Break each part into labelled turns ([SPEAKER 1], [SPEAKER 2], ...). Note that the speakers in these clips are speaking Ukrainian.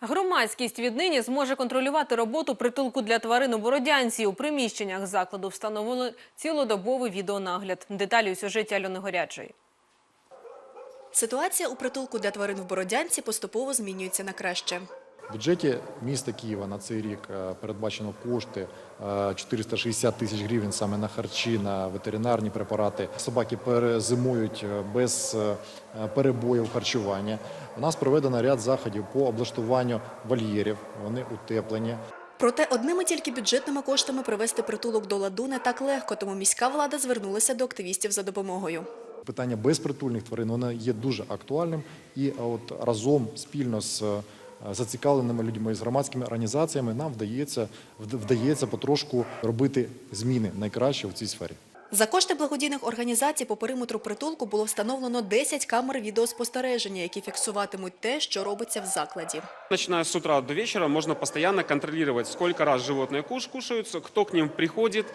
[SPEAKER 1] Громадськість віднині зможе контролювати роботу притулку для тварин у Бородянці. У приміщеннях закладу встановили цілодобовий відеонагляд. Деталі у сюжеті Альони Горячої.
[SPEAKER 2] Ситуація у притулку для тварин в Бородянці поступово змінюється на краще.
[SPEAKER 3] В бюджеті міста Києва на цей рік передбачено кошти 460 тисяч гривень саме на харчі, на ветеринарні препарати. Собаки перезимують без перебоїв харчування. У нас проведено ряд заходів по облаштуванню вольєрів, вони утеплені.
[SPEAKER 2] Проте одними тільки бюджетними коштами привести притулок до ладу не так легко, тому міська влада звернулася до активістів за допомогою.
[SPEAKER 3] Питання безпритульних тварин воно є дуже актуальним і от разом спільно з зацікавленими людьми, з громадськими організаціями нам вдається потрошку робити зміни найкраще в цій сфері.
[SPEAKER 2] За кошти благодійних організацій по периметру притулку було встановлено 10 камер відеоспостереження, які фіксуватимуть те, що робиться в закладі.
[SPEAKER 4] Начиная с утра до вечера можно постоянно контролировать, сколько раз животные кушаются, кто к ним приходит,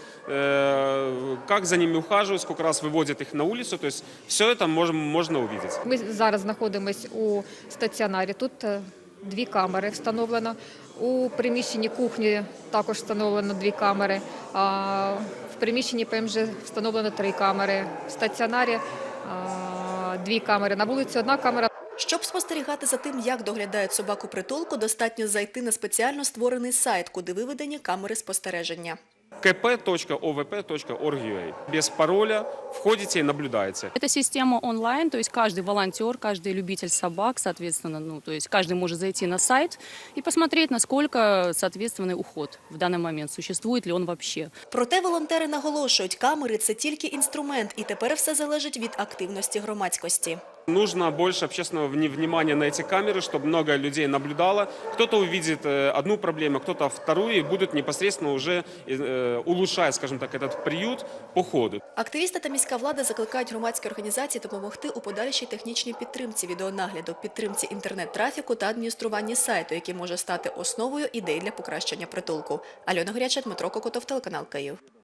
[SPEAKER 4] как за ними ухаживают, сколько раз выводят их на улицу. То есть все это можно увидеть.
[SPEAKER 5] Ми зараз знаходимося у стаціонарі. Тут 2 камери встановлено. У приміщенні кухні також встановлено 2 камери. В приміщенні ПМЖ встановлено 3 камери. В стаціонарі 2 камери. На вулиці 1 камера.
[SPEAKER 2] Щоб спостерігати за тим, як доглядають собаку притулку, достатньо зайти на спеціально створений сайт, куди виведені камери спостереження.
[SPEAKER 4] kp.ovp.org.ua. Без пароля входите и наблюдаете.
[SPEAKER 6] Это система онлайн, то есть каждый волонтер, каждый любитель собак, соответственно, то есть каждый может зайти на сайт и посмотреть, насколько соответственный уход в данный момент, существует ли он вообще.
[SPEAKER 2] Проте волонтери наголошують, камери – це тільки інструмент, і тепер все залежить від активності громадськості.
[SPEAKER 4] Нужно больше общественного внимания на эти камеры, чтобы много людей наблюдало. Кто-то увидит одну проблему, кто-то вторую, и будут непосредственно уже улучшать, скажем так, этот приют по ходу.
[SPEAKER 2] Активісти та міська влада закликають громадські організації допомогти у подальшій технічній підтримці відеонагляду, підтримці інтернет-трафіку та адмініструванні сайту, який може стати основою ідей для покращення притулку. Альона Горяча, Дмитро Кокотов, телеканал Київ.